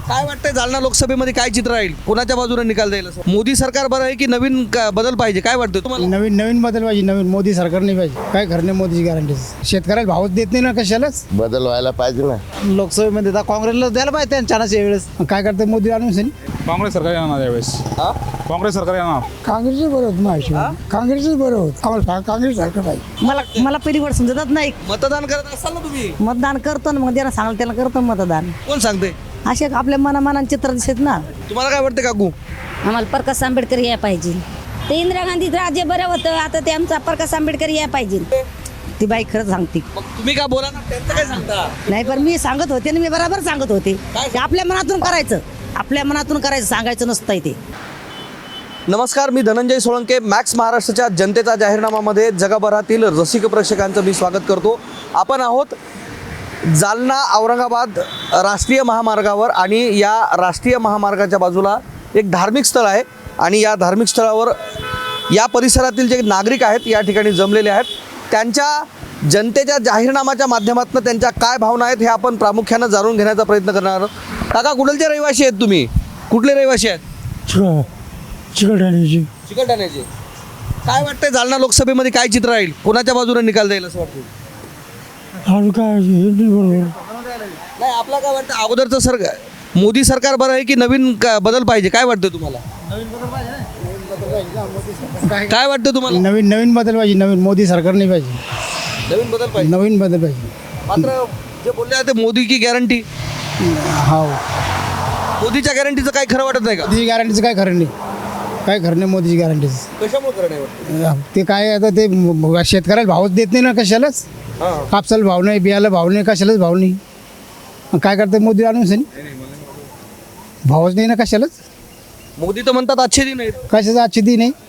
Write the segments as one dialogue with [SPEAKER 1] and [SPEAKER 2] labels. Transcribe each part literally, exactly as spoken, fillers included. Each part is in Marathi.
[SPEAKER 1] काय वाटतंय जालना लोकसभेमध्ये काय चित्र राहील, कोणाच्या बाजूने निकाल जाईल असं? मोदी सरकार बरं आहे की नवीन का- बदल पाहिजे, काय वाटतं तुम्हाला?
[SPEAKER 2] नवीन नवीन बदल पाहिजे. नवीन मोदी सरकार नाही पाहिजे. काय खरं नाही मोदीची गॅरंटी. शेतकऱ्याला भावच देत नाही ना कशालाच.
[SPEAKER 3] बदल व्हायला पाहिजे ना.
[SPEAKER 2] लोकसभेमध्ये आता काँग्रेसला द्यायला पाहिजे त्यांच्या यावेळेस. काय करते मोदी आणून सनी
[SPEAKER 4] काँग्रेस सरकार येणार यावेळेस. काँग्रेस सरकार येणार.
[SPEAKER 2] काँग्रेसच बरं होत माहिती काँग्रेसच बरं होत आम्हाला काँग्रेस सरकार पाहिजे.
[SPEAKER 5] मला मला परिवार समजत नाही.
[SPEAKER 1] मतदान करत असाल ना तुम्ही?
[SPEAKER 5] मतदान करतो ना, मग ज्यांना सांगाल त्याला करतो मतदान.
[SPEAKER 1] कोण सांगते?
[SPEAKER 5] असे आपल्या मनामनान चित्र दिसत ना.
[SPEAKER 1] तुम्हाला काय वाटतं काकू?
[SPEAKER 6] आम्हाला प्रकाश आंबेडकर या पाहिजे. ते इंदिरा गांधी राज्य बरं होतं, आता ते आमचा प्रकाश आंबेडकर या पाहिजे.
[SPEAKER 5] ती बाई खरंच सांगते.
[SPEAKER 1] मग तुम्ही का बोला ना, त्यांचं काय सांगता?
[SPEAKER 5] नाही पण मी सांगत होते ना, मी बरोबर सांगत होते की आपल्या मनातून करायचं, आपल्या मनातून करायचं, सांगायचं नसतं ते.
[SPEAKER 1] नमस्कार, मी धनंजय सोळंके. मॅक्स महाराष्ट्राच्या जनतेचा जाहीरनामामध्ये जगभरातील रसिक प्रेक्षकांचं मी स्वागत करतो. आपण आहोत जालना औरंगाबाद राष्ट्रीय महामार्गावर आणि या राष्ट्रीय महामार्गाच्या बाजूला एक धार्मिक स्थळ आहे आणि या धार्मिक स्थळावर या परिसरातील जे नागरिक आहेत या ठिकाणी जमलेले आहेत. त्यांच्या जनतेच्या जाहीरनामाच्या माध्यमातून त्यांच्या काय भावना आहेत हे आपण प्रामुख्यानं जाणून घेण्याचा प्रयत्न करणार आहोत. काका, कुठलचे रहिवासी आहेत तुम्ही? कुठले रहिवासी आहेत?
[SPEAKER 2] चिकटाण्याची
[SPEAKER 1] चिकलठाण्याचे. काय वाटतंय जालना लोकसभेमध्ये काय चित्र राहील, कोणाच्या बाजूने निकाल जाईल असं वाटतं?
[SPEAKER 2] काय
[SPEAKER 1] नाही, आपला काय वाटतं अगोदरचं सरकार मोदी सरकार बरं आहे की नवीन का- बदल पाहिजे, काय वाटतं तुम्हाला? काय वाटतं तुम्हाला?
[SPEAKER 2] नवीन नवीन बदल पाहिजे. नवीन मोदी सरकार नाही पाहिजे.
[SPEAKER 1] नवीन बदल पाहिजे.
[SPEAKER 2] नवीन बदल पाहिजे.
[SPEAKER 1] मात्र जे बोलले आहे ते मोदी की गॅरंटी,
[SPEAKER 2] हा
[SPEAKER 1] मोदीच्या गॅरंटीचं काही खरं वाटत नाही का?
[SPEAKER 2] मोदीची गॅरंटीचं काय खरं नाही. काय खरं नाही मोदीची गॅरंटीच.
[SPEAKER 1] कशामुळे खरं नाही वाटतं?
[SPEAKER 2] ते काय आता ते म- शेतकऱ्याला भावच देत नाही ना कशालाच.
[SPEAKER 1] हां.
[SPEAKER 2] कापसाला भाव नाही, बियाला भाव नाही, कशालाच भाव नाही. मग काय करते मोदी आणून सनी भावच नाही ना कशालाच.
[SPEAKER 1] मोदी तर म्हणतात अच्छे दिन आहेत.
[SPEAKER 2] कशाचं आजचे दिन आहे.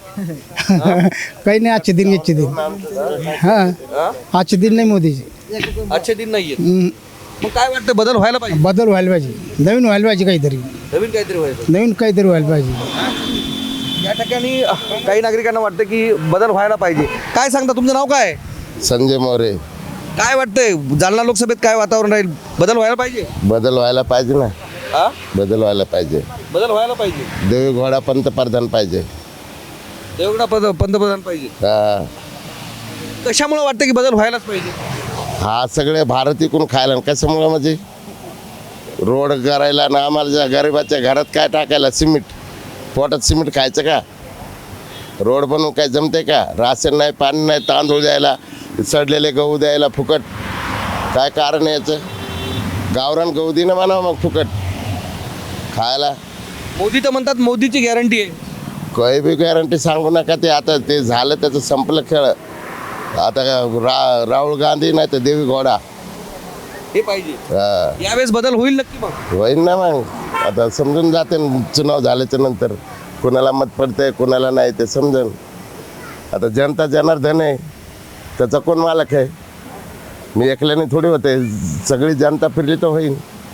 [SPEAKER 2] काही नाही आजचे दिन याचे दिन. हां आजचे दिन नाही मोदीचे.
[SPEAKER 1] अच्छे दिन नाही आहेत.
[SPEAKER 2] हम्म.
[SPEAKER 1] मग काय वाटतं बदल व्हायला पाहिजे?
[SPEAKER 2] बदल व्हायला पाहिजे. नवीन व्हायला पाहिजे काहीतरी.
[SPEAKER 1] नवीन काहीतरी व्हायचं.
[SPEAKER 2] नवीन काहीतरी व्हायला पाहिजे.
[SPEAKER 1] या ठिकाणी अह, काही नागरिकांना वाटतं की बदल व्हायला पाहिजे. काय सांगता, तुमचं नाव काय?
[SPEAKER 3] संजय मोरे.
[SPEAKER 1] काय वाटतंय जालना लोकसभेत काय वातावरण राहील, बदल व्हायला पाहिजे?
[SPEAKER 3] बदल व्हायला पाहिजे ना.
[SPEAKER 1] हा,
[SPEAKER 3] बदल व्हायला पाहिजे.
[SPEAKER 1] बदल व्हायला पाहिजे.
[SPEAKER 3] देवी घोडा पंतप्रधान पाहिजे.
[SPEAKER 1] देवगडा पद पंतप्रधान पाहिजे.
[SPEAKER 3] हा
[SPEAKER 1] कशामुळे वाटतं की बदल व्हायलाच पाहिजे?
[SPEAKER 3] हा सगळे भारत इकून खायला आणि कशामुळं म्हणजे रोड करायला ना आम्हाला ज्या गरिबाच्या घरात काय टाकायला सिमेंट, पोटात सिमेंट खायचं का? रोड बनवून काय जमते का? राशन नाही, पाणी नाही, तांदूळ द्यायला, सडलेले गहू द्यायला फुकट. काय कारण आहे याचं? गावरान गहू दे ना म्हणा मग फुकट खायला.
[SPEAKER 1] मोदी तर म्हणतात मोदीची गॅरंटी आहे.
[SPEAKER 3] काही बी गॅरंटी सांगू नका. ते आता ते झालं त्याचं संपलं खेळ. आता काय रा राहुल गांधी नाही तर देवी घोडा.
[SPEAKER 1] हे पाहिजे.
[SPEAKER 3] हा
[SPEAKER 1] यावेळेस बदल होईल नक्की. मग
[SPEAKER 3] होईल ना मग. आता समजून जाते न चुनाव झाल्याच्या नंतर कोणाला मत पडतंय कोणाला नाही ते समजून. आता जनता जनार्दन आहे, त्याचा कोण मालक आहे? मी एकल्याने थोडी होते, सगळी जनता फिरली तर होईल.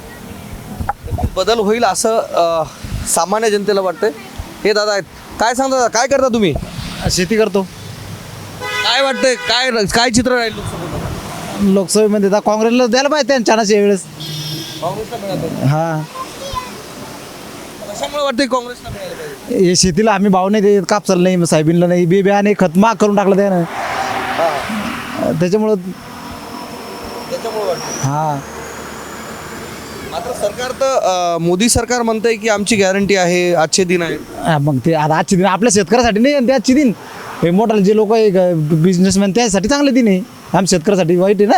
[SPEAKER 1] बदल होईल असं अह, सामान्य जनतेला वाटतंय. हे दादा आहेत, काय सांगता दादा, काय करता तुम्ही?
[SPEAKER 2] शेती करतो.
[SPEAKER 1] काय वाटतंय, काय काय चित्र राहील लोकसभेत?
[SPEAKER 2] लोकसभेमध्ये आता काँग्रेसला द्यायला पाहिजे त्यांच्या यावेळेस.
[SPEAKER 1] काँग्रेसला मिळालं.
[SPEAKER 2] हा
[SPEAKER 1] कशामुळे वाटतंय काँग्रेसला मिळालं पाहिजे?
[SPEAKER 2] हे शेतीला आम्ही भाव नाही देत, कापसाला नाही, साहेबीनला नाही, बी बिया नाही, खत महाग करून टाकलं त्यानं. त्याच्यामुळं
[SPEAKER 1] त्याच्यामुळे वाटतं.
[SPEAKER 2] हा
[SPEAKER 1] मात्र सरकार तर अह, मोदी सरकार म्हणतंय की आमची गॅरंटी आहे, आजचे दिन आहे.
[SPEAKER 2] हा, मग ते आता आजचे दिन आपल्या शेतकऱ्यासाठी नाही आणि ते आजचे दिन हे मोठाले जे लोक बिझनेसमॅन त्यासाठी चांगले दिन आहे. आम शेतकऱ्यासाठी वाईट आहे ना.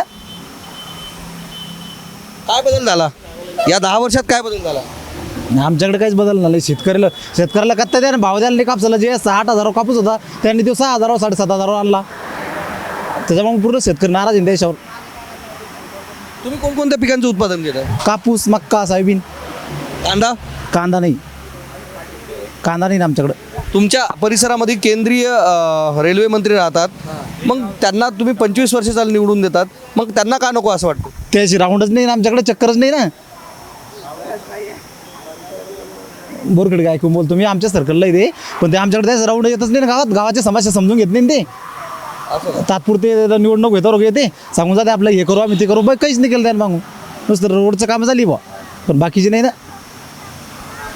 [SPEAKER 1] काय बदल झाला या दहा वर्षात, काय बदल झाला?
[SPEAKER 2] आमच्याकडे काहीच बदल नाही. शेतकऱ्याला शेतकऱ्याला कत्ता द्या ना, भाव द्यायला नाही. कापसाला जे सहा आठ हजार कापूस होता त्यांनी तो सहा हजारावर साडेसात हजारावर आणला. त्याच्यामुळे पूर्ण शेतकरी नाराज आहे देशावर.
[SPEAKER 1] तुम्ही कोणकोणत्या पिकांचं उत्पादन घेता?
[SPEAKER 2] कापूस, मक्का, सोयाबीन.
[SPEAKER 1] कांदा?
[SPEAKER 2] कांदा नाही. कांदा नाही ना आमच्याकडं.
[SPEAKER 1] तुमच्या परिसरामध्ये केंद्रीय अ, रेल्वे मंत्री राहतात, मग त्यांना तुम्ही पंचवीस वर्ष झालं निवडून देतात, मग त्यांना का नको असं वाटतं?
[SPEAKER 2] त्याची राऊंडच नाही ना आमच्याकडे, चक्करच नाही ना. बोरकडे काय ऐकून बोलतो मी, आमच्या सर्कलला येते पण ते आमच्याकडे त्याच राऊंड येतच नाही ना. गावात गावाच्या समस्या समजून घेत नाही ते. तात्पुरते निवडणूक घेतो येते, सांगून जाते आपलं हे करू आम्ही ते करू, बाई काहीच नाही केलं त्यानं मागून. नुसतं रोडचं कामं झाली बा, पण बाकीची नाही ना.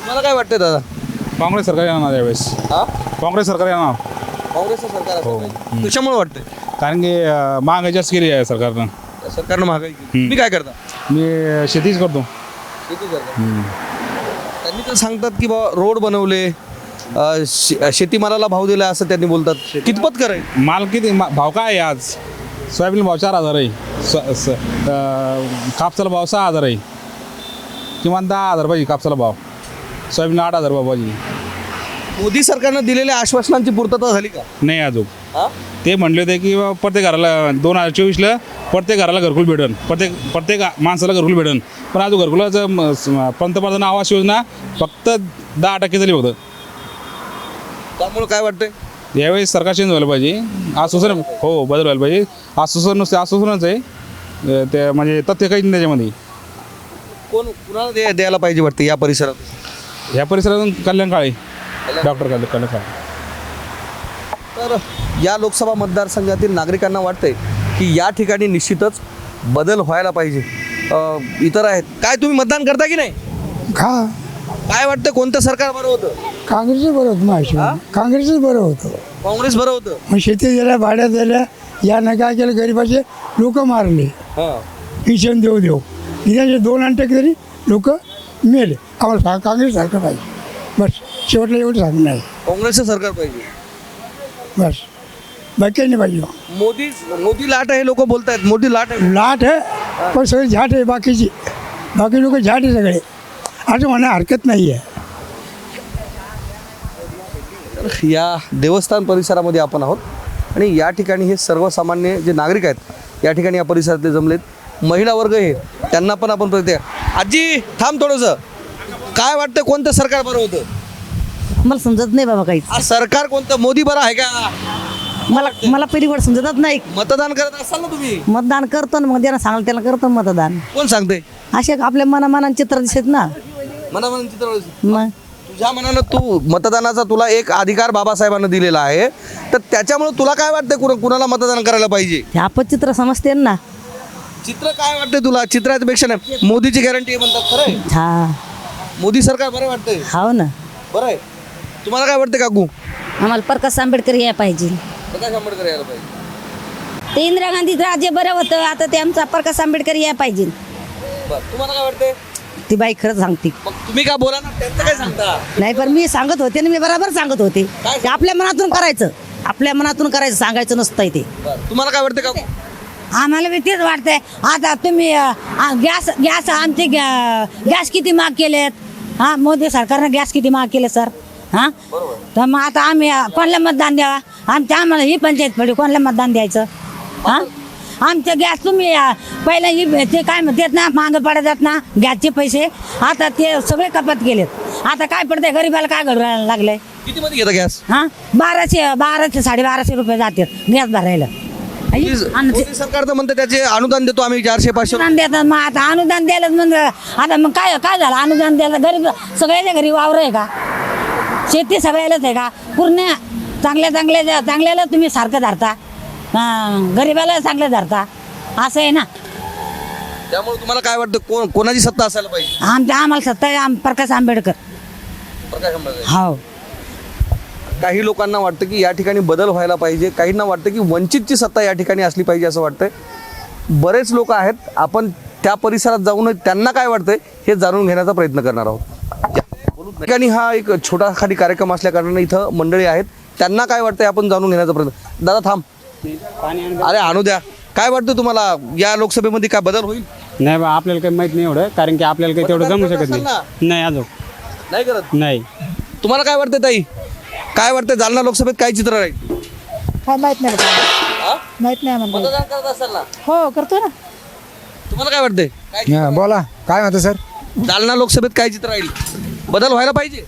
[SPEAKER 1] तुम्हाला काय वाटतंय दादा?
[SPEAKER 4] काँग्रेस सरकार येणार यावेळेस
[SPEAKER 1] हा
[SPEAKER 4] काँग्रेस सरकार येणार
[SPEAKER 1] काँग्रेसचं सरकार असलं पाहिजे. कशामुळे वाटतंय?
[SPEAKER 4] कारण की अं, महागाई जास्त केली आहे सरकारनं.
[SPEAKER 1] सरकारनं महागाई केली. तुम्ही काय करता?
[SPEAKER 4] मी अं, शेतीच करतो.
[SPEAKER 1] शेती करता. त्यांनी तर सांगतात की बा रोड बनवले, अ, शे- शेतीमालाला भाव दिला असं त्यांनी बोलतात. कितपत करायचं?
[SPEAKER 4] माल किती मा- भाव काय आहे आज? सोयाबीन भाव चार हजार आहे. स- स- अं, कापसाला भाव सहा हजार आहे. किमान दहा हजार पाहिजे कापसाला भाव. सोयाबीन आठ हजार भाव पाहिजे.
[SPEAKER 1] मोदी सरकारनं दिलेल्या आश्वासनांची पूर्तता झाली का?
[SPEAKER 4] नाही अजून.
[SPEAKER 1] हा?
[SPEAKER 4] ते म्हणले होते की बा प्रत्येक घराला दोन हजार चोवीसला प्रत्येक घराला घरकुल भेटन, प्रत्येक प्रत्येक माणसाला घरकुल भेटन. पण अजून घरकुलाचं म- स- पंतप्रधान आवास योजना फक्त दहा टक्के झाली होतं.
[SPEAKER 1] त्यामुळे काय वाटतंय?
[SPEAKER 4] यावेळेस सरकार चेंज व्हायला पाहिजे. आश्वासन हो बदल व्हायला पाहिजे. आश्वासन नुसते आश्वासनच आहे. अं, ते म्हणजे तथ्य काही नाही त्याच्यामध्ये.
[SPEAKER 1] कोण कुणाला द्या- द्यायला पाहिजे वाटतं या परिसरात?
[SPEAKER 4] ह्या परिसरातून कल्याण काळे डॉक्टर कल्याण कल्याण काळे.
[SPEAKER 1] तर या लोकसभा मतदारसंघातील नागरिकांना वाटतंय की या ठिकाणी निश्चितच बदल व्हायला पाहिजे. अ, इतर आहेत काय, तुम्ही मतदान करता की नाही?
[SPEAKER 7] का
[SPEAKER 1] काय वाटतं कोणतं सरकार बरं होतं?
[SPEAKER 7] काँग्रेसच बरं होतं माझ्या
[SPEAKER 1] हा?
[SPEAKER 7] काँग्रेसच बरं होतं.
[SPEAKER 1] काँग्रेस बरं होतं.
[SPEAKER 7] मग शेती दिल्या भाड्यात दिल्या, यानं काय केलं गरिबाचे लोक मारले,
[SPEAKER 1] हां
[SPEAKER 7] पेन्शन देऊ देऊ निदाचे दोन अंटे तरी लोक मेले. आम्हाला सा- काँग्रेस सारखं पाहिजे बस. शेवटला एवढं सांगणं आहे
[SPEAKER 1] काँग्रेसचं सरकार पाहिजे.
[SPEAKER 7] बस, बाकी काही नाही पाहिजे.
[SPEAKER 1] मोदी मोदी लाट आहे लोक बोलत आहेत. मोदी लाट आहे.
[SPEAKER 7] लाट आहे पण सगळे झाट आहे बाकीची. बाकी लोक झाट आहे सगळे, असं म्हणा हरकत नाही आहे.
[SPEAKER 1] या देवस्थान परिसरामध्ये आपण आहोत आणि या ठिकाणी हे सर्वसामान्य जे नागरिक आहेत या ठिकाणी या परिसरातले जमलेत. महिला वर्ग हे, त्यांना पण आपण प्रत्येक. आजी थांब थोडंसं. काय वाटतं कोणतं सरकार बरं होतं?
[SPEAKER 5] मला समजत नाही बाबा काहीच.
[SPEAKER 1] आ, सरकार कोणतं? मोदी बरं आहे का?
[SPEAKER 5] मला मला पहिली गोष्ट समजतच नाही.
[SPEAKER 1] मतदान करत असाल ना तुम्ही?
[SPEAKER 5] मतदान करतो ना, मग ज्यांना सांगाल त्याला करतो मतदान.
[SPEAKER 1] कोण सांगते?
[SPEAKER 5] असे आपल्या मनामनान चित्र दिसत ना.
[SPEAKER 1] मनामन चित्र.
[SPEAKER 5] मग
[SPEAKER 1] तुझ्या मनानं तू मतदानाचा तुला एक अधिकार बाबासाहेबांना दिलेला आहे, तर त्याच्यामुळे तुला काय वाटतं कुणा कुणाला मतदान करायला पाहिजे?
[SPEAKER 5] हे अपचित्र समजते ना.
[SPEAKER 1] चित्र काय वाटतंय तुला? चित्रापेक्षा नाही, मोदीची गॅरंटी म्हणतात. खरं आहे?
[SPEAKER 5] हा
[SPEAKER 1] मोदी सरकार बरं वाटतंय.
[SPEAKER 5] हो ना.
[SPEAKER 1] बरं आहे. तुम्हाला काय वाटतं काकू?
[SPEAKER 6] आम्हाला प्रकाश आंबेडकर या पाहिजे.
[SPEAKER 1] प्रकाश आंबेडकर यायला पाहिजे.
[SPEAKER 6] ते इंदिरा गांधी राज्य बरं होतं, आता ते आमचा प्रकाश आंबेडकर या पाहिजे.
[SPEAKER 1] बरं, तुम्हाला काय वाटतंय?
[SPEAKER 5] ती बाई खरंच सांगते.
[SPEAKER 1] मग तुम्ही का बोला ना, त्यांचं काय सांगता?
[SPEAKER 5] नाही पण मी सांगत होते ना, मी बरोबर सांगत होते.
[SPEAKER 1] काय?
[SPEAKER 5] ते आपल्या मनातून करायचं, आपल्या मनातून करायचं, सांगायचं नसतंय ते.
[SPEAKER 1] बरं, तुम्हाला काय वाटतं काकू?
[SPEAKER 8] आम्हाला बी तेच वाटतंय. आता तुम्ही अ, आ, गॅस गॅस आमचे गॅ- गॅस किती महाग केलेत. हां, मोदी सरकारनं गॅस किती महाग केले सर. हां, तर मग आता आम्ही अ, कोणाला मतदान द्यावा? आमच्या आम्हाला ही पंचायत पडली, कोणाला मतदान द्यायचं? हां, आमचे गॅस तुम्ही अ, पहिला ही ते काय म्हणतात ना, महाग पडतात ना गॅसचे पैसे, आता ते सगळे कपात केलेत. आता काय पडतंय गरीबाला, काय घडवायला लागलंय?
[SPEAKER 1] किती मध्ये घेता गॅस?
[SPEAKER 8] हां, बाराशे बाराशे साडेबाराशे रुपये जातात गॅस भरायला. आई, आणि ते-
[SPEAKER 1] मोदी सरकार तर म्हणते त्याचे अनुदान देतो आम्ही चारशे पाचशे.
[SPEAKER 8] अनुदान देतात. मग आता अनुदान द्यायला म्हणजे आता मग काय काय झालं अनुदान द्यायला? गरीब सगळ्याच्या घरी वावर आहे का? शेती सगळ्यालाच आहे का? पूर्ण चांगल्या चांगल्या चांगल्याला तुम्ही सारखं धरता, हां, गरीबाला चांगलं धरता, असं आहे ना.
[SPEAKER 1] त्यामुळे तुम्हाला काय वाटतं कोण कोणाची सत्ता असायला पाहिजे?
[SPEAKER 8] आमच्या आम्हाला सत्ता आहे आम प्रकाश आंबेडकर.
[SPEAKER 1] प्रकाश आंबेडकर.
[SPEAKER 8] हो,
[SPEAKER 1] काही लोकांना वाटतं की या ठिकाणी बदल व्हायला पाहिजे, काहींना वाटतं की वंचितची सत्ता या ठिकाणी असली पाहिजे असं वाटतंय. बरेच लोक आहेत, आपण त्या परिसरात जाऊन त्यांना काय वाटतंय हे जाणून घेण्याचा प्रयत्न करणार आहोत. या ठिकाणी हा एक छोटा खाली कार्यक्रम असल्या कारणाने इथं मंडळी आहेत, त्यांना काय वाटतंय आपण जाणून घेण्याचा प्रयत्न. दादा थांब, अरे आणू द्या. काय वाटतं तुम्हाला या लोकसभेमध्ये काय बदल होईल?
[SPEAKER 9] नाही बा, आपल्याला काही माहित नाही एवढं, कारण की आपल्याला काही तेवढं जमू शकत
[SPEAKER 1] असेल ना?
[SPEAKER 9] नाही. नाही अजून
[SPEAKER 1] नाही करत.
[SPEAKER 9] नाही.
[SPEAKER 1] तुम्हाला काय वाटतं ताई? काय वाटतं जालना लोकसभेत काय चित्र राहील?
[SPEAKER 8] काय माहित नाही
[SPEAKER 1] हा?
[SPEAKER 8] माहित नाही म्हणतो.
[SPEAKER 1] मतदान करत असाल ना?
[SPEAKER 8] हो, करतो ना.
[SPEAKER 1] तुम्हाला काय वाटतंय? काय चित्र राहील?
[SPEAKER 7] बोला काय म्हणतो सर.
[SPEAKER 1] जालना लोकसभेत काय चित्र राहील? बदल व्हायला पाहिजे.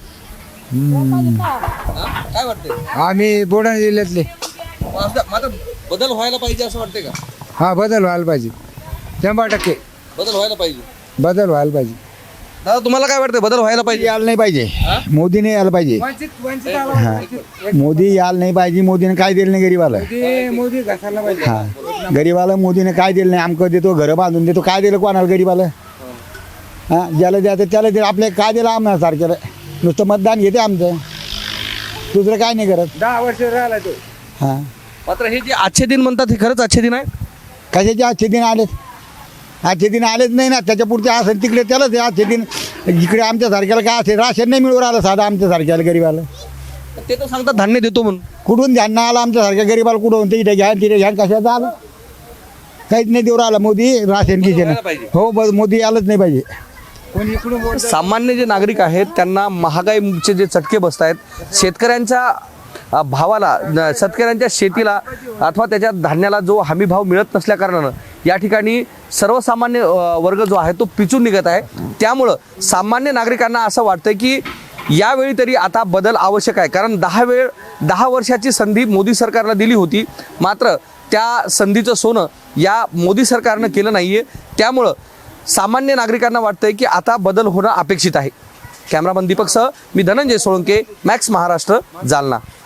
[SPEAKER 1] हा? काय वाटतंय?
[SPEAKER 7] आम्ही बुलढाणा जिल्ह्यातले.
[SPEAKER 1] माझं- माझं बदल व्हायला पाहिजे असं वाटतंय का?
[SPEAKER 7] हा, बदल व्हायला पाहिजे, शंभर टक्के
[SPEAKER 1] बदल व्हायला पाहिजे.
[SPEAKER 7] बदल व्हायला पाहिजे.
[SPEAKER 1] दादा तुम्हाला काय वाटतंय बदल व्हायला पाहिजे?
[SPEAKER 10] यायला नाही पाहिजे, मोदीने यायला पाहिजे. हा, मोदी यायला नाही पाहिजे. मोदीने काय दिलं नाही गरीबाला.
[SPEAKER 7] मोदी घासायला पाहिजे.
[SPEAKER 10] हा, गरीबाला मोदीने काय दिलं नाही. आमकं देतो, घरं बांधून देतो, काय दिलं कोणाला गरीबाला? हा, ज्याला द्यायचं त्याला दिलं. आपल्या काय दिलं आम्हाला सारख्याला? नुसतं मतदान घेते आमचं, दुसरं काय नाही करत.
[SPEAKER 2] दहा वर्ष राहिला तो.
[SPEAKER 10] हां,
[SPEAKER 1] मात्र हे जे आजचे दिन म्हणतात हे खरंच आजचे दिन आहे.
[SPEAKER 10] कशाचे आजचे दिन आलेत? आजचे दिन आलेच नाही ना. त्याच्या पुढचे असेल तिकडे त्यालाच आहे आजचे दिन. इकडे आमच्यासारख्याला काय असेल, राशन नाही मिळू राहिलं साधं आमच्यासारख्याला गरीबाला.
[SPEAKER 1] ते तर सांगतात धान्य देतो म्हणून.
[SPEAKER 10] कुठून ध्यान आलं आमच्यासारख्या गरीबाला? कुठून तिथे घ्या तिथे घ्या, कशाचं आलं? काहीच नाही देऊ राहिला मोदी राशन किशन. हो, बस मोदी आलंच नाही पाहिजे.
[SPEAKER 1] सामान्य जे नागरिक आहेत त्यांना महागाईचे जे चटके बसत आहेत, शेतकऱ्यांच्या अ, भावाला न- शेतकऱ्यांच्या शेतीला अथवा त्याच्या धान्याला जो हमी भाव मिळत नसल्या कारणानं या ठिकाणी सर्वसामान्य अ, वर्ग जो आहे तो पिचून निघत आहे. त्यामुळं सामान्य नागरिकांना असं वाटतं की यावेळी तरी आता बदल आवश्यक आहे. कारण दहा वेळ दहा वर्षाची संधी मोदी सरकारला दिली होती, मात्र त्या संधीचं सोनं या मोदी सरकारनं केलं नाही आहे. त्यामुळं सामान्य नागरिकांना वाटतंय की आता बदल होणं अपेक्षित आहे. कॅमेरामन दीपकसह मी धनंजय सोळंके, मॅक्स महाराष्ट्र, जालना.